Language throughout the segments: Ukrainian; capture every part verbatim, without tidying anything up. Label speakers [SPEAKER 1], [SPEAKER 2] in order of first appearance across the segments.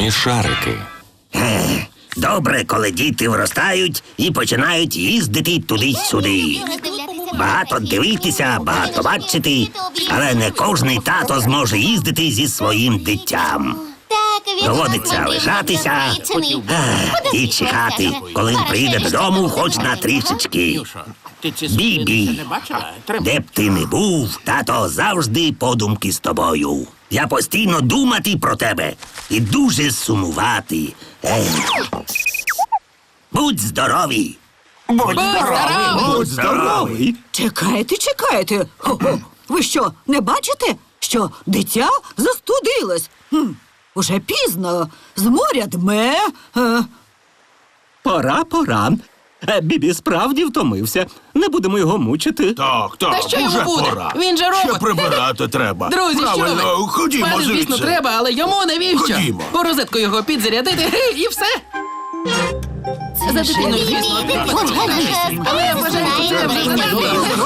[SPEAKER 1] Воздушні шарики.
[SPEAKER 2] Добре, коли діти виростають і починають їздити туди-сюди. Багато дивитися, багато бачити, але не кожний тато зможе їздити зі своїм дитям. Доводиться лишатися і чекати, коли він прийде додому хоч на трішечки. Бібі, де б ти не був, тато завжди подумки з тобою. Я постійно думати про тебе і дуже сумувати. Ех. Будь здорові!
[SPEAKER 3] Будь здоровий!
[SPEAKER 4] Будь здоровий!
[SPEAKER 5] Чекайте, чекайте. Хо-хо. Ви що, не бачите, що дитя застудилось? Хм, уже пізно. З моря дме. Е,
[SPEAKER 4] Пора, пора. Е, Бібі справді втомився. Не будемо його мучити.
[SPEAKER 3] Так, так,
[SPEAKER 6] Та що йому
[SPEAKER 3] уже
[SPEAKER 6] буде?
[SPEAKER 3] пора.
[SPEAKER 6] Він же
[SPEAKER 3] Ще
[SPEAKER 6] робот.
[SPEAKER 3] прибирати треба.
[SPEAKER 6] Друзі, що
[SPEAKER 3] Правильно,
[SPEAKER 6] ви?
[SPEAKER 3] ходімо
[SPEAKER 6] Пане,
[SPEAKER 3] звідси.
[SPEAKER 6] звісно, треба, але йому навіщо?
[SPEAKER 3] Ходімо.
[SPEAKER 6] У розетку його підзарядити і все. За дитиною, звісно, але я вважаю, що це вже занадто.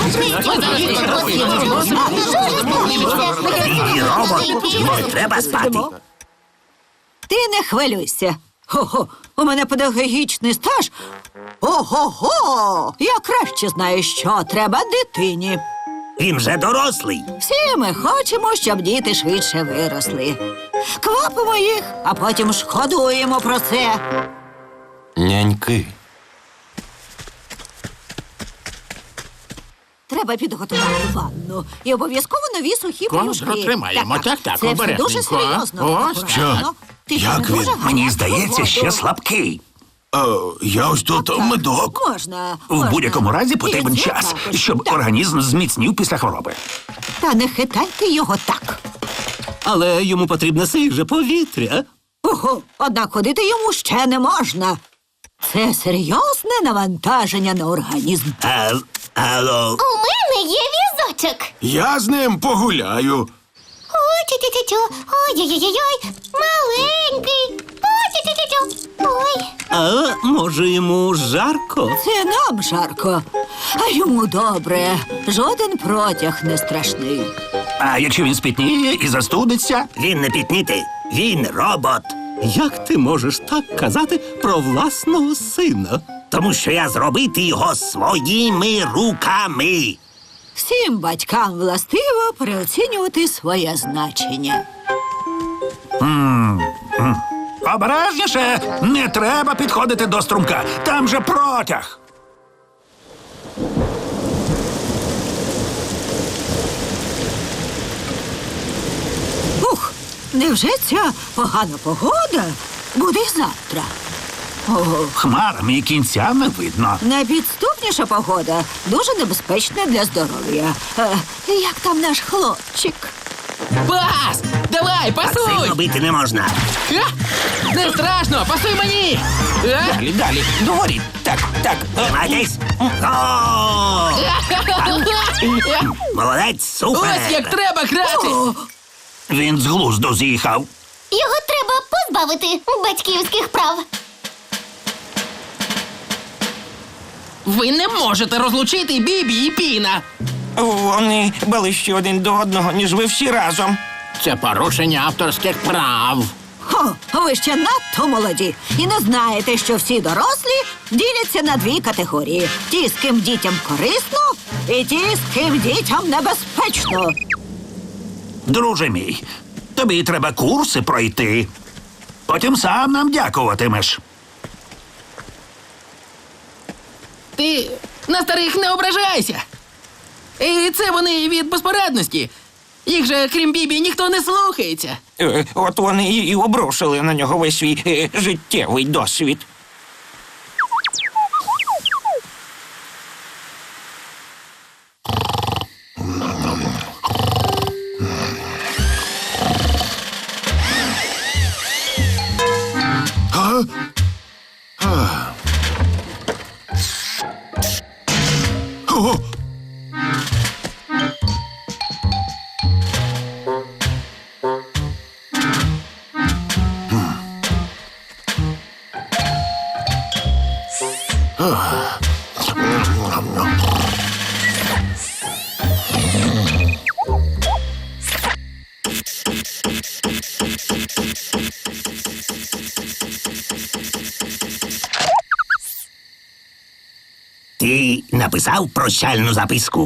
[SPEAKER 2] Бібі робот, йому треба спати.
[SPEAKER 5] Ти не хвилюйся. Хо-хо, у мене педагогічний стаж. Ого-го! Я краще знаю, що треба дитині.
[SPEAKER 2] Він вже дорослий.
[SPEAKER 5] Всі ми хочемо, щоб діти швидше виросли. Квапимо їх, а потім шкодуємо про це.
[SPEAKER 1] Няньки.
[SPEAKER 5] Треба підготувати ванну. І обов'язково нові сухі
[SPEAKER 6] Контур
[SPEAKER 5] пелюшки.
[SPEAKER 6] тримаємо. Так, так,
[SPEAKER 5] Це все дуже
[SPEAKER 6] обережненько.
[SPEAKER 5] серйозно.
[SPEAKER 6] Ось,
[SPEAKER 5] Акуратно. Ти
[SPEAKER 3] Як
[SPEAKER 5] там
[SPEAKER 3] він?
[SPEAKER 5] дуже
[SPEAKER 2] Мені
[SPEAKER 5] гарячу
[SPEAKER 2] здається, ще
[SPEAKER 5] воду.
[SPEAKER 2] слабкий.
[SPEAKER 3] Е, я ось тут медок.
[SPEAKER 5] Можна,
[SPEAKER 7] В
[SPEAKER 5] можна.
[SPEAKER 7] будь-якому разі потрібен
[SPEAKER 5] І це
[SPEAKER 7] час,
[SPEAKER 5] також.
[SPEAKER 7] щоб
[SPEAKER 5] Так.
[SPEAKER 7] організм зміцнів після хвороби.
[SPEAKER 5] Та не хитайте його так.
[SPEAKER 4] Але йому потрібне свіже повітря.
[SPEAKER 5] Ого, однак ходити йому ще не можна. Це серйозне навантаження на організм.
[SPEAKER 2] А, алло,
[SPEAKER 8] У мене є візочок.
[SPEAKER 3] Я з ним погуляю.
[SPEAKER 8] Ой, тю-тю-тю-тю. Ой-ой-ой-ой. Маленький. Ой, тю-тю-тю-тю. Ой.
[SPEAKER 4] А може йому жарко?
[SPEAKER 5] Це нам жарко, а йому добре. Жоден протяг не страшний.
[SPEAKER 7] А якщо він спітніє і застудиться,
[SPEAKER 2] він не пітніти, він робот.
[SPEAKER 4] Як ти можеш так казати про власного сина?
[SPEAKER 2] Тому що я зробити його своїми руками.
[SPEAKER 5] Всім батькам властиво переоцінювати своє значення.
[SPEAKER 7] обережніше, не треба підходити до струмка. Там же протяг.
[SPEAKER 5] Ух, невже ця погана погода буде й завтра? Ого,
[SPEAKER 7] Хмарами і кінця не видно.
[SPEAKER 5] найпідступніша погода дуже небезпечна для здоров'я. Е, як там наш хлопчик?
[SPEAKER 6] Пас! Давай, пасуй!
[SPEAKER 2] Сильно бити не можна.
[SPEAKER 6] Ха! Не страшно, пасуй мені! А?
[SPEAKER 7] Далі, далі, догорі. Так, так.
[SPEAKER 2] Тримайтесь. О! Молодець, супер.
[SPEAKER 6] Ось як треба грати!
[SPEAKER 7] Він з глузду з'їхав.
[SPEAKER 8] Його треба позбавити батьківських прав.
[SPEAKER 6] Ви не можете розлучити Бібі і Піна.
[SPEAKER 9] Вони ближче один до одного, ніж ви всі разом.
[SPEAKER 6] Це порушення авторських прав.
[SPEAKER 5] Хо, ви ще надто молоді і не знаєте, що всі дорослі діляться на дві категорії: ті, з ким дітям корисно, і ті, з ким дітям небезпечно.
[SPEAKER 7] Друже мій, тобі треба курси пройти. Потім сам нам дякуватимеш.
[SPEAKER 6] Ти на старих не ображайся. І це вони від безпорадності. Їх же, крім Бібі, ніхто не слухається.
[SPEAKER 9] Е, От вони і і обрушили на нього весь свій е, життєвий досвід.
[SPEAKER 3] А? А. О!
[SPEAKER 2] Ти написав прощальну записку?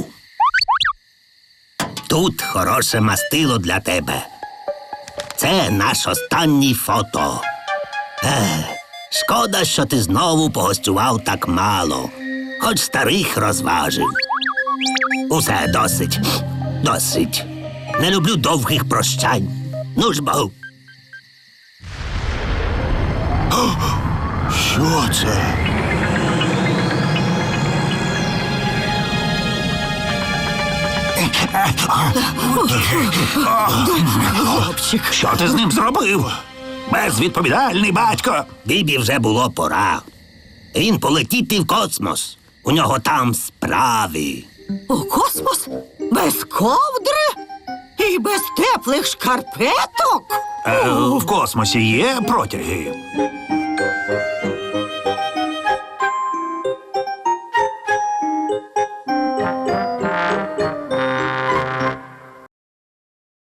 [SPEAKER 2] Тут хороше мастило для тебе. Це наш останній фото. Ех, шкода, що ти знову погостював так мало. Хоч старих розважив. Усе, досить. Досить. Не люблю довгих прощань. Ну ж бо.
[SPEAKER 3] Що це?
[SPEAKER 5] Хлопчик.
[SPEAKER 7] Що ти з ним зробив? Безвідповідальний батько.
[SPEAKER 2] Бібі вже було пора. Він полетіти в космос. У нього там справи.
[SPEAKER 5] У космос? Без ковдри? І без теплих шкарпеток?
[SPEAKER 7] Е, в космосі є протяги.